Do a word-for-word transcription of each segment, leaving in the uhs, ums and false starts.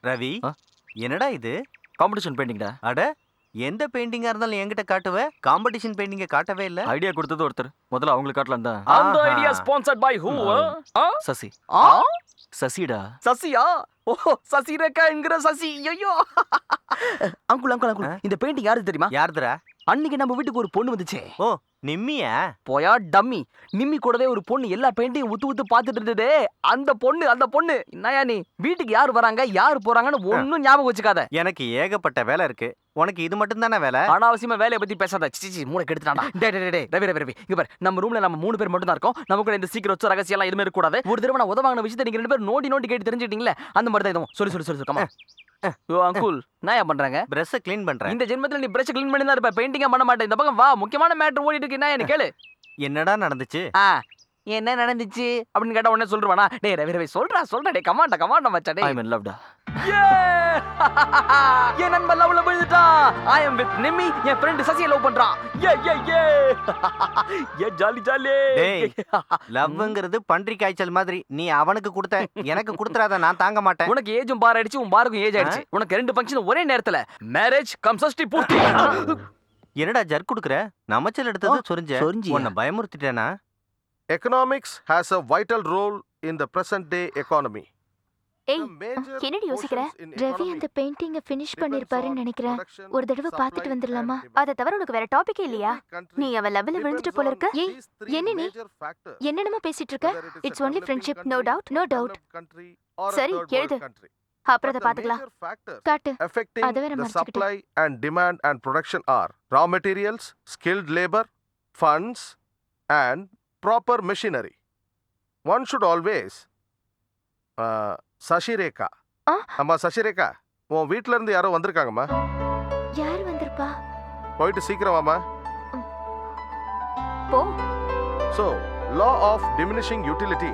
ரவி, ஆ? என்னடா இது? காம்படிஷன் பெயிண்டிங்டா. அட, எந்த பெயிண்டிங்கா இருந்தாலும் என்கிட்ட காட்டுவ, காம்படிஷன் பெயிண்டிங்க காட்டவே இல்ல. ஐடியா கொடுத்தது ஒருத்தர். முதல்ல அவங்களுக்கு காட்டலாம் தான். அந்த ஆஹா. Idea sponsored by who? Sasi. ஆ சசிடா. சசியா? ஓ சசி ரேகாங்கிற சசி. ஐயோ அங்குள் அங்குள் அங்குள் ஆ? இந்த பெயிண்டிங் யாரு தெரியுமா? யாருதுடா? அன்னைக்கு நம்ம வீட்டுக்கு ஒரு பொண்ணு வந்துச்சே. ஓ, நிம்மியா? போயா டம்மி. நிம்மி கூடவே ஒரு பொண்ணு எல்லா பெயிண்டையும் உத்து உத்து பார்த்துட்டு இருந்ததே. அந்த பொண்ணு அந்த பொண்ணு என்னயா நீ வீட்டுக்கு யார் வராங்க யார் போறாங்கன்னு ஒன்னும் ஞாபகம் வச்சுக்காத. எனக்கு ஏகப்பட்ட வேலை இருக்கு. உனக்கு இது மட்டும் தானே வேலை? அனாவசியமா வேலையை பத்தி பேசாத. சிச்சி மூளை கெடுத்துட்டான்டா. டேய் டேய் டேய் ரவி ரவி ரவி இங்க பாரு, நம்ம ரூம்ல நம்ம மூணு பேர் மட்டும் தான் இருக்கோம். நமக்குள்ள இந்த சீக்கிரம் வச்ச ரகசியம் எல்லாம் எதுவுமே இருக்க கூடாது. ஒரு தடவை நான் உதவாங்கின விஷயத்தை நீங்க ரெண்டு பேரும் நோண்டி நோண்டி கேட்டு தெரிஞ்சுக்கிட்டீங்களே, அந்த மாதிரி தான் இதுவும். சொல்லி சொல்லி சொல்லி கமா. ஓ அங்குல் நான் பண்றாங்க. பிரஷ் க்ளீன் பண்றேன். இந்த ஜென்மத்துல நீ பிரஷ் க்ளீன் பண்ணி தான் இருப்ப, பெயிண்டிங்கா பண்ண மாட்டேன். இந்த பக்கம் வா, முக்கியமான மேட்டர் ஓடிட்டு இருக்கு. என்ன கேளு. என்னடா நடந்துச்சு? ஆ என்ன நடந்துச்சு அப்படின்னு கேட்டா உடனே சொல்றானா? டேய் ரவி ரவி சொல்றா சொல்றா. டேய் கமாண்டா கமாண்டா மச்சான். ஐ டேய் மீன் லவ்டா. என் நண்பன் லவ்ல விழுந்துட்டான். I am with Nimmi. என் ஃப்ரெண்ட் சசியை லவ் பண்றான். ஏ ஏ ஏ ஏ ஜாலி ஜாலி. டேய், லவ்ங்கிறது பன்றி காய்ச்சல் மாதிரி. நீ அவனுக்கு கொடுத்த, எனக்கு கொடுத்துறாத, நான் தாங்க மாட்டேன். உனக்கு ஏஜும் பார் ஆயிடுச்சு, உன் பாருக்கும் ஏஜ் ஆயிடுச்சு. உனக்கு ரெண்டு ஃபங்க்ஷன் ஒரே நேரத்துல. மேரேஜ் கம் சஷ்டி பூர்த்தி. என்னடா ஜர்க் குடுக்குற? நமச்சல் எடுத்தது சொரிஞ்ச. சொரிஞ்சியா? உன்னை பயமுறுத்திட்டேனா? Economics has a vital role in the present day economy. ஏய், என்னடி யோசிக்கிற? ரவி அந்த பெயிண்டிங்க ஃபினிஷ் பண்ணிருப்பாருன்னு நினைக்கிறேன். ஒரு தடவை பார்த்துட்டு வந்துடலாமா? அதை தவிர உனக்கு வேற டாபிக்கே இல்லையா? நீ அவ லெவல்ல விழுந்துட்டு போல இருக்க. ஏய், என்ன நீ என்னென்னமோ பேசிட்டு இருக்க? It's only friendship, no doubt no doubt. சரி, எழுது. அப்புறம் அதை பாத்துக்கலாம். காட்டு. Affecting அதை வேற the மறைச்சுக்கிட்டு. supply and demand and production are raw materials, skilled labor, funds and proper machinery. One should always uh, Sasirekha. ஆ? அம்மா சசிரேகா, உன் வீட்ல இருந்து யாரோ வந்திருக்காங்கம்மா. யார் வந்திருப்பா? போயிட்டு சீக்கிரம் வாமா. போ. So, law of diminishing utility.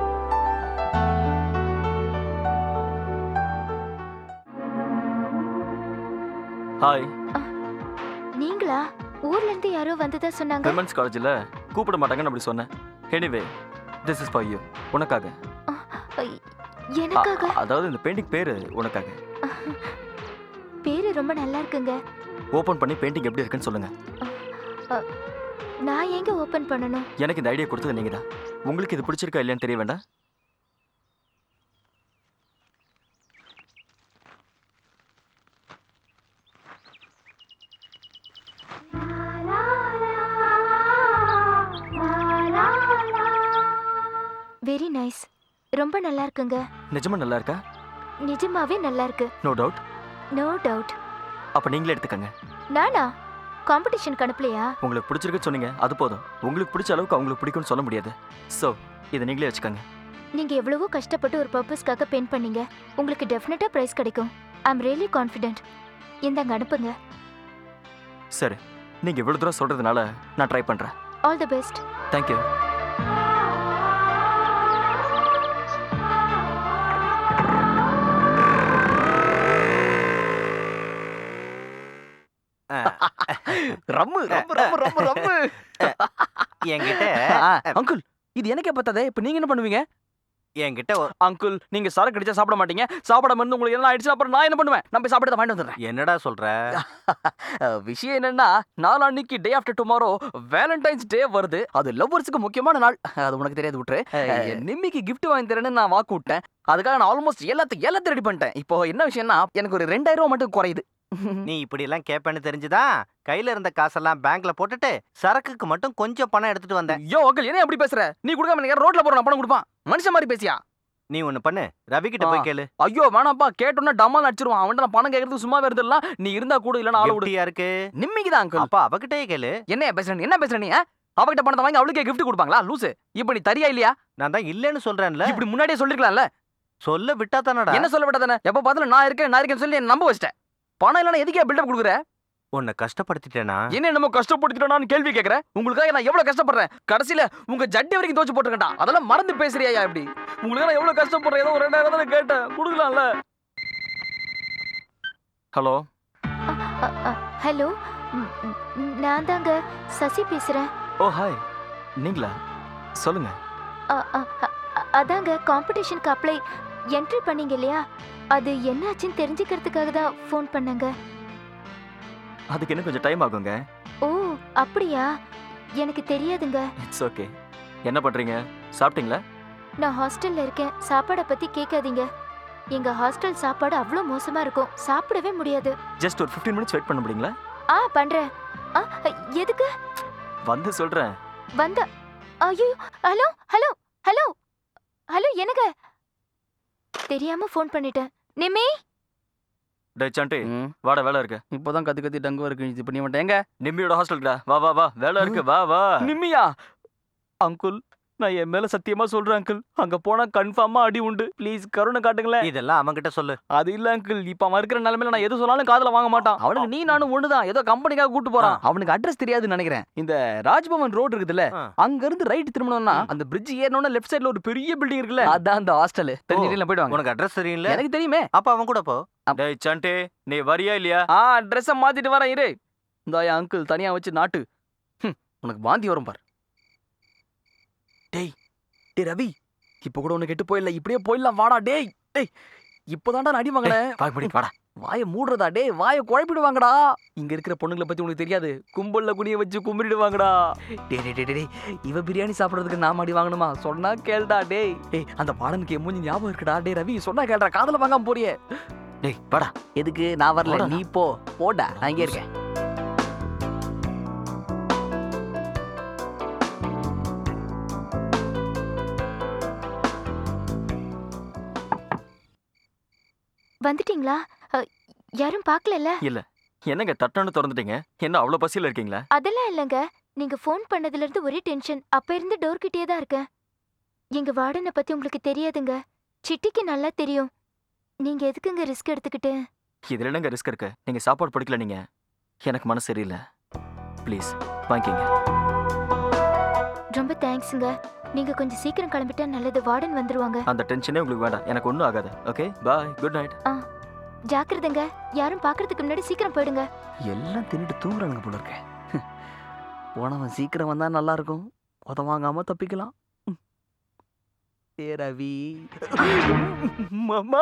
Hi. நீங்களா? ஊர்ல இருந்து யாரோ வந்ததா சொன்னாங்க. விமென்ஸ் காலேஜ்ல கூப்பிட மாட்டாங்கன்னு அப்படி சொன்னேன். Anyway this is for you. உனக்காக. ஐ, எனக்காக? அ- அதாவது இந்த பெயிண்டிங் பேரு உனக்காக. பேரு ரொம்ப நல்லா இருக்குங்க. ஓபன் பண்ணி பெயிண்டிங் எப்படி இருக்குன்னு சொல்லுங்க. நான் எங்க ஓபன் பண்ணணும்? எனக்கு இந்த ஐடியா கொடுத்தது நீங்க தான். உங்களுக்கு இது பிடிச்சிருக்கா இல்லையான்னு தெரிய வேண்டாம். Very nice. ரொம்ப நல்லா இருக்குங்க. நிஜமா நல்லா இருக்கா? நிஜமாவே நல்லா இருக்கு. No doubt. No doubt. அப்ப நீங்களே எடுத்துக்கங்க. நானா? காம்படிஷன் அனுப்பலையா? உங்களுக்கு பிடிச்சிருக்குன்னு சொன்னீங்க, அது போதும். உங்களுக்கு பிடிச்ச அளவுக்கு அவங்களுக்கு பிடிக்கும்னு சொல்ல முடியாது. ஸோ இதை நீங்களே வச்சுக்கோங்க. நீங்க எவ்வளவோ கஷ்டப்பட்டு ஒரு பர்பஸ்க்காக பெயிண்ட் பண்ணீங்க. உங்களுக்கு டெஃபினட்டா பிரைஸ் கிடைக்கும். I am really confident. இந்தாங்க அனுப்புங்க. சரி, நீங்க இவ்வளவு தூரம் சொல்றதுனால நான் ட்ரை பண்றேன். All the best. தேங்க்யூ. ரம்மு ரம்மு ரம்மு ரம்மு ரம்மு. என்கிட்ட அங்குள் இது எனக்கே பத்தாதே. இப்ப நீங்க என்ன பண்ணுவீங்க? என்கிட்ட ஒ- அங்குள் நீங்க சரக்கு அடிச்சா சாப்பிட மாட்டீங்க. சாப்பிடாம இருந்து உங்களுக்கு என்ன ஆயிடுச்சு அப்புறம் நான் என்ன பண்ணுவேன்? நான் போய் சாப்பிட்டு வாங்கிட்டு வந்துடுறேன். என்னடா சொல்ற? அஹ், விஷயம் என்னன்னா, நாளான்னைக்கு day after tomorrow Valentine's day வருது. அது லவ்வர்ஸுக்கு முக்கியமான நாள். அது உனக்கு தெரியாது விட்டுரு. அஹ், நிம்மிக்கு gift வாங்கி தரேன்னு நான் வாக்கு விட்டேன். அதுக்காக நான் ஆல்மோஸ்ட் எல்லாத்தையும் எல்லாத்தையும் ரெடி பண்ணிட்டேன். இப்போ என்ன விஷயம்னா, எனக்கு ஒரு ரெண்டாயிரம் ரூபாய் மட்டும் குறையுது. நீ இப்படி எல்லாம் கேப்பேன்னு தெரிஞ்சுதான் கையில இருந்த காசெல்லாம் பேங்க்ல போட்டுட்டு சரக்குக்கு மட்டும் கொஞ்சம் பணம் எடுத்துட்டு வந்தேன். யோ அங்கிள் என்ன எப்படி பேசுற? நீ கொடுக்காம நீங்க ரோட்ல போற பணம் கொடுப்பான் மனுஷன் மாதிரி பேசியா? நீ ஒண்ணு பண்ணு, ரவி கிட்ட போய் கேளு. ஐயோ வேணாப்பா, கேட்டோன்னா டமால் அடிச்சிருவான். அவன்கிட்ட நான் பணம் கேட்கறதுக்கு சும்மா வருதுலாம். நீ இருந்தா கூட இல்ல ஆள விடு. எப்படியா இருக்கு? நிம்மிக்கு தான் அங்கிள். அப்பா அவகிட்டயே கேளு. என்ன பேசுற நீ? என்ன பேசுற நீ? அவகிட்ட பணத்தை வாங்கி அவளுக்கே gift கொடுப்பாங்களா? லூசு. இப்போ நீ தரியா இல்லையா? நான் தான் இல்லன்னு சொல்றேன்ல. இப்படி முன்னாடியே சொல்லிருக்கலாம்ல. சொல்ல விட்டா தானடா. என்ன சொல்ல விட்டதானே? எப்ப பார்த்தாலும் நான் இருக்கேன் நான் இருக்கேன்னு சொல்லி என்ன நம்ப வச்சிட்டேன். பணம் இல்லைன்னா எதுக்கே பில்டப் கொடுக்குற? உன்னை கஷ்டப்படுத்திட்டேனா? என்ன என்னமோ கஷ்டப்படுத்திட்டோன்னு கேள்வி கேட்கறேன். உங்களுக்காக நான் எவ்வளவு கஷ்டப்படுறேன். கடைசியில உங்க ஜட்டி வரைக்கும் தோச்சு போட்டுருக்கா. அதெல்லாம் மறந்து பேசுறியா இப்படி? உங்களுக்கு நான் எவ்வளவு கஷ்டப்படுறேன். ஏதோ ஒரு ரெண்டாயிரம் தானே கேட்டேன், கொடுக்கலாம்ல. ஹலோ. ஹலோ, நான் தாங்க சசி பேசுறேன். Oh hi. நீங்களா? சொல்லுங்க. அ, அ, அ, அதாங்க காம்படிஷனுக்கு அப்ளை என்ட்ரி பண்ணீங்க இல்லையா, அது என்ன ஆச்சுன்னு தெரிஞ்சுக்கிறதுக்காக தான் ஃபோன் பண்ணேங்க. அதுக்கு இன்னும் கொஞ்சம் டைம் ஆகுங்க. ஓ அப்படியா, எனக்கு தெரியாதுங்க. It's okay. என்ன பண்றீங்க? சாப்பிட்டீங்களா? நான் ஹாஸ்டல்ல இருக்கேன், சாப்பாடை பத்தி கேட்காதீங்க. எங்க ஹாஸ்டல் சாப்பாடு அவ்வளோ மோசமா இருக்கும், சாப்பிடவே முடியாது. ஜஸ்ட் ஒரு ஃபிஃப்டீன் மினிட்ஸ் வெயிட் பண்ண முடியுங்களா? ஆ பண்றேன். ஆ எதுக்கு வந்து சொல்றேன். வந்த? ஐயோ, ஹலோ ஹலோ ஹலோ ஹலோ, என்னங்க? தெரியாம ஃபோன் பண்ணிட்டேன். நிம்மி, டேய் சாண்டி, ம், வாடா, வேலை இருக்கு. இப்போதான் கத்தி கத்தி டங்கு இருக்கு. இது பண்ணி மாட்டேன். எங்க நிம்மியோட ஹாஸ்டல்டா, வா வா வா, வேலை இருக்கு, வா வா. நிம்மியா? அங்குல், நான் என் மேல சத்தியமா சொல்றேன் அங்கிள், அங்க போனா கன்ஃபார்மா அடி உண்டு. ப்ளீஸ் கருணை காட்டுங்களேன். இதெல்லாம் அவன்கிட்ட சொல்லு. அது இல்ல அங்கிள், இப்ப அவன் இருக்கிற நிலைமையில நான் எது சொன்னாலும் காதுல வாங்க மாட்டான். அவனுக்கு நீ நானும் ஒண்ணுதான், ஏதோ கம்பெனிக்காக கூட்டு போறான். அவனுக்கு அட்ரஸ் தெரியாதுன்னு நினைக்கிறேன். இந்த ராஜ்பவன் ரோடு இருக்குதுல்ல, ஆ. அங்க இருந்து ரைட் திரும்பணும்னா அந்த பிரிட்ஜ் ஏறணும்னா லெஃப்ட் சைடுல ஒரு பெரிய பில்டிங் இருக்குல்ல, அதான் அந்த ஹாஸ்டல். தெரிஞ்சிட்டீங்களா? போயிடுவாங்க. உனக்கு அட்ரஸ் தெரியல? எனக்கு தெரியுமே. அப்ப அவன் கூட போ. டேய் சாண்டி, நீ வரியா இல்லையா? ஆ ட்ரெஸ்ஸை மாத்திட்டு வரேன் இரு. இந்த என் அங்கிள் தனியா வச்சு நாட்டு. ஹம், உனக்கு வாந்தி வரும் பார். டேய் டேய் ரவி, இப்ப கூட உனக்கு கெட்டு போயிடல, இப்படியே போயிடலாம். வாடா டேய். டேய் இப்போதான்டா நான் அடி வாங்கினேன். வாய் மூடிட்டு வாடா. வாயை மூடுறதா? டேய் வாயை குழப்பிடுவாங்கடா. இங்க இருக்கிற பொண்ணுங்களை பத்தி உனக்கு தெரியாது, கும்பல்ல குனிய வச்சு கும்பிடுவாங்கடா. டேய் டேய் டேய் டேய், இவ பிரியாணி சாப்பிடுறதுக்கு நாம அடி வாங்கணுமா? சொன்னா கேளுடா டேய். டேய் அந்த பாடனுக்கு என் மூஞ்சி ஞாபகம் இருக்குடா. டேய் ரவி, சொன்னா கேளுடா, காதல வாங்காம போறியே. டேய் வாடா. எதுக்கு? நான் வரல, போடா. நீ போ. போடா, நான் இங்கே இருக்கேன். வந்துட்டீங்களா? அ, யாரும் பார்க்கலல்ல? என்னங்க தட்டன்னு திறந்துட்டீங்க? என்ன அவ்வளவு பசியில இருக்கீங்களா? அதெல்லாம் இல்லைங்க, நீங்க ஃபோன் பண்ணதுல இருந்து ஒரே டென்ஷன். அப்ப இருந்து டோர் கிட்டே தான் இருக்கேன். எங்க வார்டனை பத்தி உங்களுக்கு தெரியாதுங்க, சிட்டிக்கு நல்லா தெரியும். நீங்க எதுக்குங்க ரிஸ்க் எடுத்துக்கிட்டு? இதுல என்னங்க ரிஸ்க் இருக்கு? நீங்க சாப்பாடு பிடிக்கல, நீங்க எனக்கு மனசு சரியில்லை. ப்ளீஸ் வாங்கிக்கங்க. ரொம்ப தேங்க்ஸுங்க. நீங்க கொஞ்சம் சீக்கிரம் கிளம்பிட்டா நல்லது, வார்டன் வந்துருவாங்க. அந்த டென்ஷனே உங்களுக்கு வேண்டாம், எனக்கு ஒன்றும் ஆகாது. Okay bye, good night. ஜாக்கிரதைங்க, யாரும் பார்க்கறதுக்கு முன்னாடி சீக்கிரம் போயிடுங்க. எல்லாம் தின்னுட்டு தூங்குறானுங்க போல இருக்க. போனவன் சீக்கிரம் வந்தா நல்லா இருக்கும், உதவாங்காம தப்பிக்கலாம். ஏ ரவி, மாமா.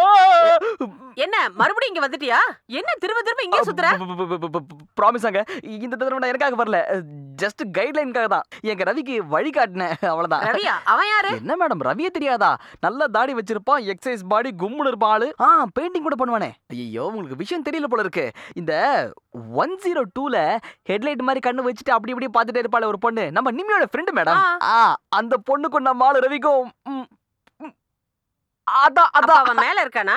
என்ன மறுபடியும் இங்க வந்துட்டியா? என்ன திரும்ப திரும்ப இங்கே சுத்துற? ப்ராமிஸாங்க, இந்த தடவை நான் எனக்காக வரல, ஜஸ்ட் கைட்லைனுக்காக தான். எங்க ரவிக்கு வழி காட்டினேன், அவ்வளவுதான். ரவியா? அவன் யாரு? என்ன மேடம், ரவியே தெரியாதா? நல்ல தாடி வச்சிருப்பான், எக்ஸசைஸ் பாடி, கும்முன்னு இருப்பான் ஆளு. ஆ பெயிண்டிங் கூட பண்ணுவானே. ஐயோ உங்களுக்கு விஷயம் தெரியல போல இருக்கு. இந்த ஒன் ஜீரோ டூல ஹெட்லைட் மாதிரி கண்ணு வச்சுட்டு அப்படி இப்படி பார்த்துட்டே இருப்பாள் ஒரு பொண்ணு, நம்ம நிம்மியோட ஃப்ரெண்டு மேடம். ஆ அந்த பொண்ணுக்கும் நம்ம ஆளு ரவிக்கும் ம், ம், அதான் அப்ப அதான் அவன் மேல இருக்கானா?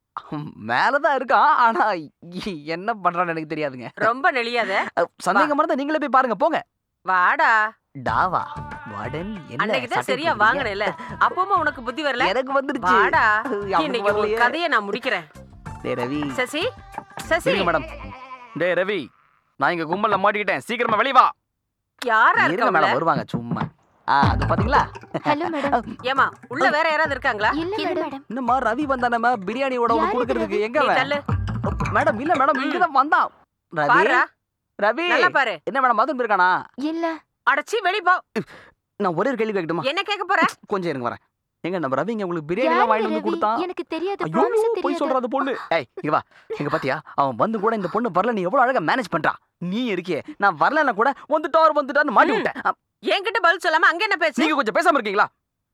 மேலதான் இருக்கான், ஆனா என்ன பண்றான்னு எனக்கு தெரியாதுங்க. ரொம்ப நெளியாத. சந்தேகமா இருந்தா நீங்களே போய் பாருங்க, போங்க. வாடா. டாவா வார்டன், என்ன அன்னைக்கு தான் சட்டை சரியா போடுறீங்க? வாங்கினேல, அப்பமா உனக்கு புத்தி வரல. எனக்கு வந்துருச்சு. வாடா, அவனுக்கு இன்னைக்கு ஒரு வரலையே. கதையை நான் முடிக்கிறேன். டேய் ரவி. சசி, சசி. இருங்க மேடம். டேய் ரவி, நான் இங்க கும்பல்ல மாட்டிக்கிட்டேன், சீக்கிரமா வெளிய வா. யாரா இருங்க இருக்க மேடம், வருவாங்க சும்மா. ஆ அது பாத்தீங்களா? Hello madam. ஏமா உள்ள வேற யாராவது இருக்காங்களா? இல்ல மேடம். என்னம்மா ரவி வந்தானே பிரியாணியோட யாரு ஒண்ணு குடுக்கிறதுக்கு? எங்க நீ அவன்? தள்ளு. மேடம் இல்ல மேடம், இங்க தான் வந்தான். ரவி, பாருடா, ரவி. நல்லா பாரு. என்ன மேடம் மதுன் இருக்கானா? இல்ல. அடச்சி வெளி போ. நான் ஒரே ஒரு கேள்வி கேட்கட்டுமா? என்ன கேட்க போற? கொஞ்சம் இருங்க வரேன். எங்க நம்ம ரவி இங்க உங்களுக்கு பிரியாணி எல்லாம் வாங்கிட்டு வந்து கொடுத்தான்? எனக்கு தெரியாது, ஐயோ ப்ராமிஸ் போய் தெரியாது. சொல்றாத பொண்ணு. ஏய் இங்க வா, இங்க பாத்தியா? அவன் வந்து கூட இந்த பொண்ணு வரல, நீ எவ்வளவு அழகா மேனேஜ் பண்றா. நீ இருக்கே, நான் வரலன்னா கூட வந்துட்டார் வந்துட்டார்னு மாட்டி விட்டேன். அ, என்கிட்ட பதில் சொல்லாம அங்க என்ன பேச்சு? நீங்க கொஞ்சம் பேசாம இருக்கீங்களா?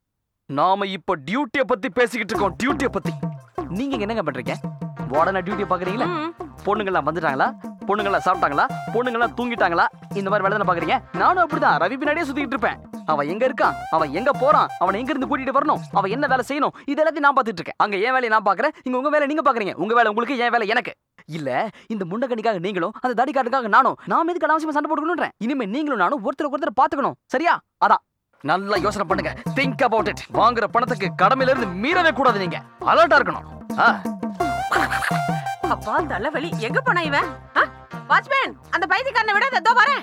நாம இப்ப டியூட்டியை பத்தி பேசிக்கிட்டு இருக்கோம், டியூட்டியை பத்தி. நீங்க இங்க என்னங்க பண்றீங்க? உடனே டியூட்டியை பாக்குறீங்களா? ம். பொண்ணுங்கெல்லாம் வந்துட்டாங்களா? பொண்ணுங்கெல்லாம் சாப்பிட்டாங்களா? பொண்ணுங்கெல்லாம் தூங்கிட்டாங்களா? இந்த மாதிரி வேலை தானே பாக்குறீங்க? நானும் அப்படிதான் ரவி பின்னாடியே சுத்திக்கிட்டு இருப்பேன். அவன் எங்க இருக்கான், அவன் எங்க போறான், அவனை எங்க இருந்து கூட்டிட்டு வரணும், அவன் என்ன வேலை செய்யணும், இது எல்லாத்தையும் நான் பாத்துட்டு இருக்கேன். அங்க என் வேலையை நான் பாக்குறேன், இங்க உங்க வேலை நீங்க பாக்குறீங்க. உங்க வேலை உங்களுக்கு, என் வேலை எனக்கு. இல்ல இந்த முண்டக்கணிக்காக நீங்களும் அந்த தாடிக்காட்டுக்காக நானும், நாம எதுக்கு அனாவசியமா சண்டை போட்டுக்கணும்ன்றேன். இனிமே நீங்களும் நானும் ஒருத்தருக்கு ஒருத்தர் பாத்துக்கணும், சரியா? அதான் நல்லா யோசனை பண்ணுங்க, திங்க் அபவுட் இட். வாங்குற பணத்துக்கு கடமையில இருந்து மீறவே கூடாது, நீங்க அலர்ட்டா இருக்கணும். ஆ அப்பா தலைவலி. எங்க போனா இவன்? வாட்ச்மேன், அந்த பைத்தியக்காரனை விட இதோ வரேன்.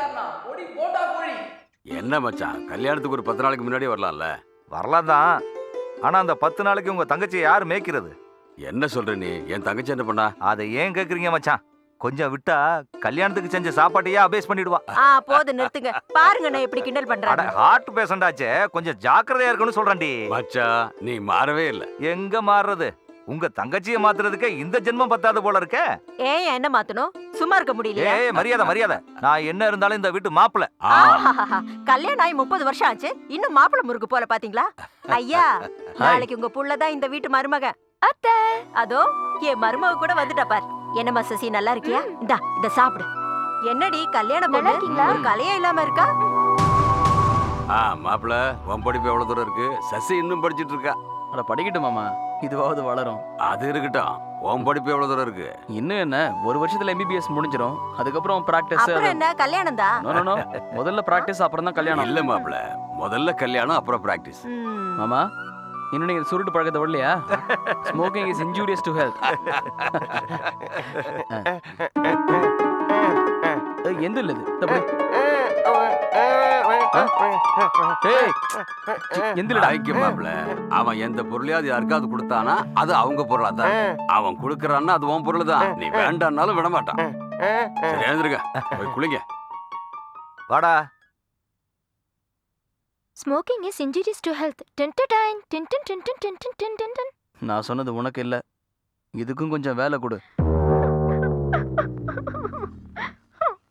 என்ன மச்சான், கல்யாணத்துக்கு ஒரு பத்து நாளைக்கு முன்னாடியே வரலாம்ல? வரலாம் தான், ஆனா அந்த பத்து நாளைக்கு உங்க தங்கச்சியை யார் மேய்க்கிறது? என்ன சொல்ற நீ? என் தங்கச்சி என்ன பண்ணா? அதை ஏன் கேக்குறீங்க மச்சான்? கொஞ்சம் விட்டா கல்யாணத்துக்கு செஞ்ச சாப்பாட்டையே அபேஸ் பண்ணிடுவா. ஆ போது நிறுத்துங்க. பாருங்க நான் எப்படி கிண்டல் அட பண்றேன். ஹார்ட் பேஷண்டாச்சே, கொஞ்சம் ஜாக்கிரதையா இருக்கணும்னு சொல்றேன்டி. மச்சான் நீ மாறவே இல்ல. எங்க மாறுறது? உங்க தங்கச்சியை மாத்துறதுக்கே இந்த ஜென்மம் பத்தாது போல இருக்க. ஏன் என்ன மாத்தணும்? சும்மா இருக்க முடியலையா? ஏய் மரியாதை மரியாதை. நான் என்ன இருந்தாலும் இந்த வீட்டு மாப்பிள்ள. ஆ, ஆஹாஹாஹா. கல்யாணம் ஆகி முப்பது வருஷம் ஆச்சு, இன்னும் மாப்பிளை முறுக்கு போல பாத்தீங்களா? ஐயா, நாளைக்கு உங்க புள்ளதான் இந்த வீட்டு மருமக. அத்தை. அதோ என் மருமக கூட வந்துட்டா பார். என்னம்மா சசி, நல்லா இருக்கியா? இந்தா இத சாப்பிடு. என்னடி கல்யாணம் நல்லா பொண்ணு இருக்கீங்களா? ஒரு கலையே இல்லாம இருக்கா? ஆ மாப்பிள, உன் படிப்பு எவ்வளவு தூரம் இருக்கு? சசி இன்னும் படிச்சிட்டு இருக்கா. அட படிக்கட்டும் மாமா, இதுவாவது வளரும். அது இருக்கட்டும், உன் படிப்பு எவ்வளவு தூரம் இருக்கு? இன்னும் என்ன, ஒரு வருஷத்துல எம்பிபிஎஸ் முடிஞ்சிடும். அதுக்கப்புறம் பிராக்டிஸ். அப்புறம் என்ன கல்யாணம் தான்? முதல்ல பிராக்டிஸ் அப்புறம் தான் கல்யாணம். இல்ல மாப்பிள, முதல்ல கல்யாணம் அப்புறம் பிராக்டிஸ். மாமா, இன்னும் நீங்க சுருட்டு பழக்கத்தை விடலையா? Smoking is injurious to health. எந்த இல்ல இது? தப்பு. ஏய், எந்திரடா. ஐக்கிய மாப்பிள, அவன் எந்த பொருளையாவது யாருக்காவது கொடுத்தானா அது அவங்க பொருளா தான். அவன் கொடுக்கறான்னா அது உன் பொருள் தான். நீ வேண்டாம்னாலும் விட மாட்டான். சரி எழுந்திருக்க, போய் குளிங்க. வாடா. Smoking is injurious to health. டின் டின் டின் டின் டின் டின் டின் டின் டின் டின். நான் சொன்னது உனக்கு இல்ல, இதுக்கும் கொஞ்சம் வேலை கொடு.